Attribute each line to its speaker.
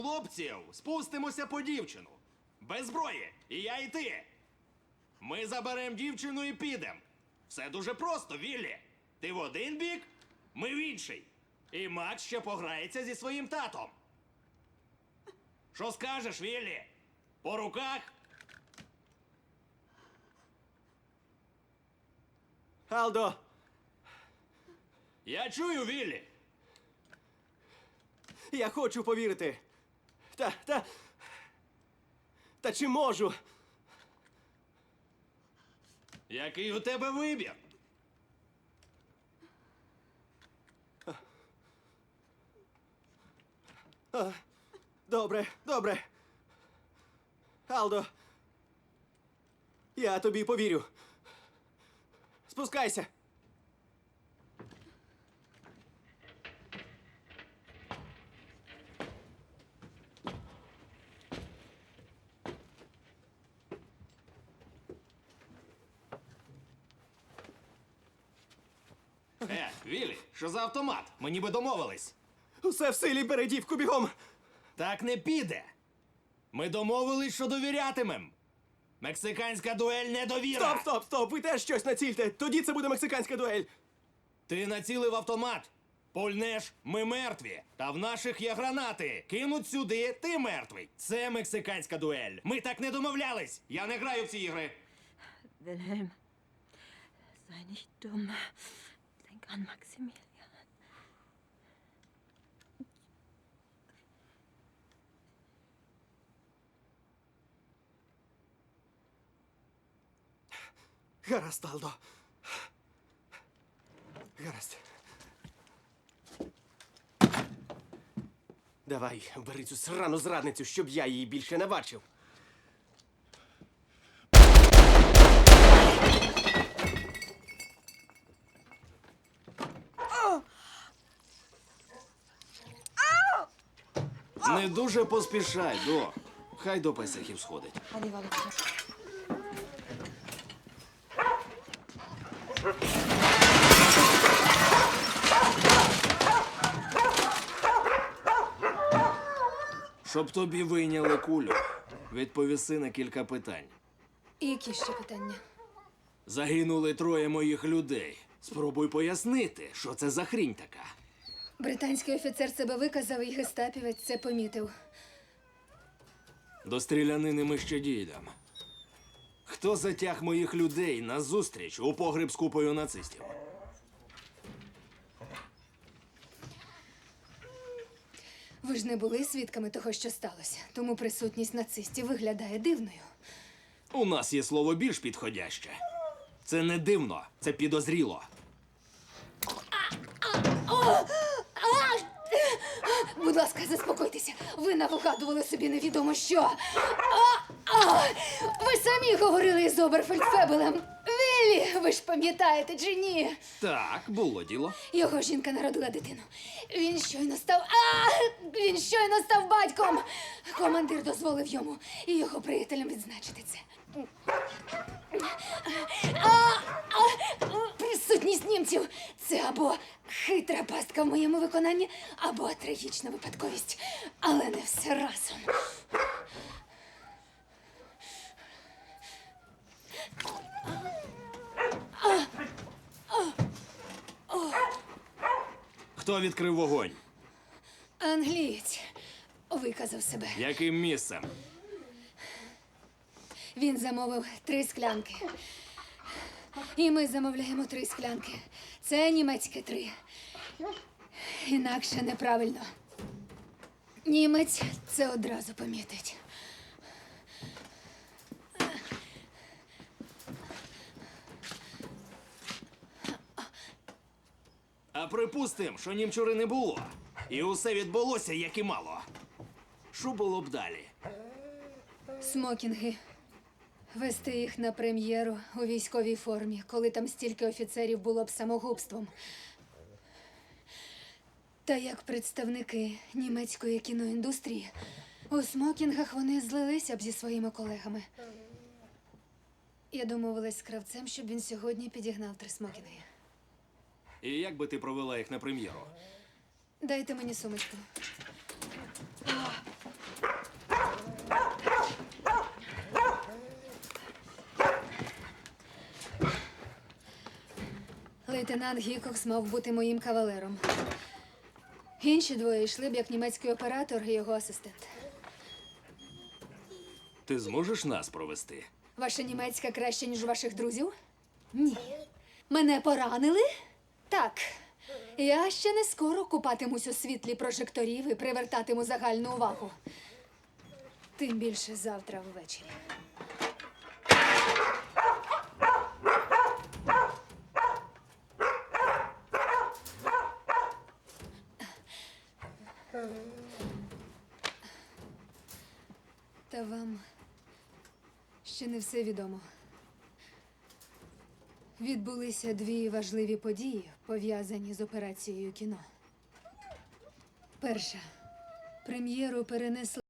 Speaker 1: Хлопців, спустимося по дівчину. Без зброї. І я, і ти. Ми заберемо дівчину і підемо. Все дуже просто, Віллі. Ти в один бік, ми в інший. І Макс ще пограється зі своїм татом. Що скажеш, Віллі? По руках?
Speaker 2: Алдо!
Speaker 1: Я чую, Віллі.
Speaker 2: Я хочу повірити. Та чи можу?
Speaker 1: Який у тебе вибір?
Speaker 2: Добре. Алдо, я тобі повірю. Спускайся.
Speaker 1: Віллі, що за автомат? Ми ніби домовились.
Speaker 2: Усе в силі, бери дівку бігом.
Speaker 1: Так не піде. Ми домовились, що довірятимем. Мексиканська дуель недовіра.
Speaker 2: Стоп, ви теж щось націльте. Тоді це буде мексиканська дуель.
Speaker 1: Ти націлив автомат. Пульнеш, ми мертві. Та в наших є гранати. Кинуть сюди, ти мертвий. Це мексиканська дуель. Ми так не домовлялись. Я не граю в ці ігри.
Speaker 3: Wilhelm, sei nicht dumm. Denk an Maximilian.
Speaker 2: Гаразд, Алдо. Гаразд. Давай, бери цю срану зрадницю, щоб я її більше не бачив.
Speaker 1: Не дуже поспішай, до. Хай до песихів сходить. Щоб тобі вийняли кулю, відповіси на кілька питань.
Speaker 4: Які ще питання?
Speaker 1: Загинули 3 моїх людей. Спробуй пояснити, що це за хрінь така.
Speaker 4: Британський офіцер себе виказав, і гестапівець це помітив.
Speaker 1: До стрілянини ми ще дійдемо. Хто затяг моїх людей на зустріч у погреб з купою нацистів?
Speaker 4: Ви ж не були свідками того, що сталося, тому присутність нацистів виглядає дивною.
Speaker 1: У нас є слово більш підходяще. Це не дивно, це підозріло.
Speaker 4: Будь ласка, заспокойтеся. Ви навигадували собі невідомо що. Ви самі говорили із Оберфельдфебелем. Віллі, ви ж пам'ятаєте чи ні?
Speaker 1: Так, було діло.
Speaker 4: Його жінка народила дитину. Він щойно став батьком. Командир дозволив йому і його приятелям відзначити це. Присутність німців – це або хитра пастка в моєму виконанні, або трагічна випадковість. Але не все разом.
Speaker 1: Хто відкрив вогонь?
Speaker 4: Англієць виказав себе.
Speaker 1: Яким місцем?
Speaker 4: Він замовив 3 склянки. І ми замовляємо 3 склянки. Це німецьке 3. Інакше неправильно. Німець це одразу помітить.
Speaker 1: А припустим, що німчури не було. І усе відбулося, як і мало. Що було б далі?
Speaker 4: Смокінги. Вести їх на прем'єру у військовій формі, коли там стільки офіцерів, було б самогубством. Та як представники німецької кіноіндустрії, у смокінгах вони злилися б зі своїми колегами. Я домовилась з кравцем, щоб він сьогодні підігнав 3 смокінги.
Speaker 1: І як би ти провела їх на прем'єру?
Speaker 4: Дайте мені сумочку. лейтенант Гікокс мав бути моїм кавалером. Інші двоє йшли б як німецький оператор і його асистент.
Speaker 1: Ти зможеш нас провести?
Speaker 4: Ваша німецька краще, ніж у ваших друзів? Ні. Мене поранили? Так. Я ще не скоро купатимусь у світлі прожекторів і привертатиму загальну увагу. Тим більше завтра ввечері. Та вам ще не все відомо. Відбулися дві важливі події, пов'язані з операцією кіно. Перша. Прем'єру перенесли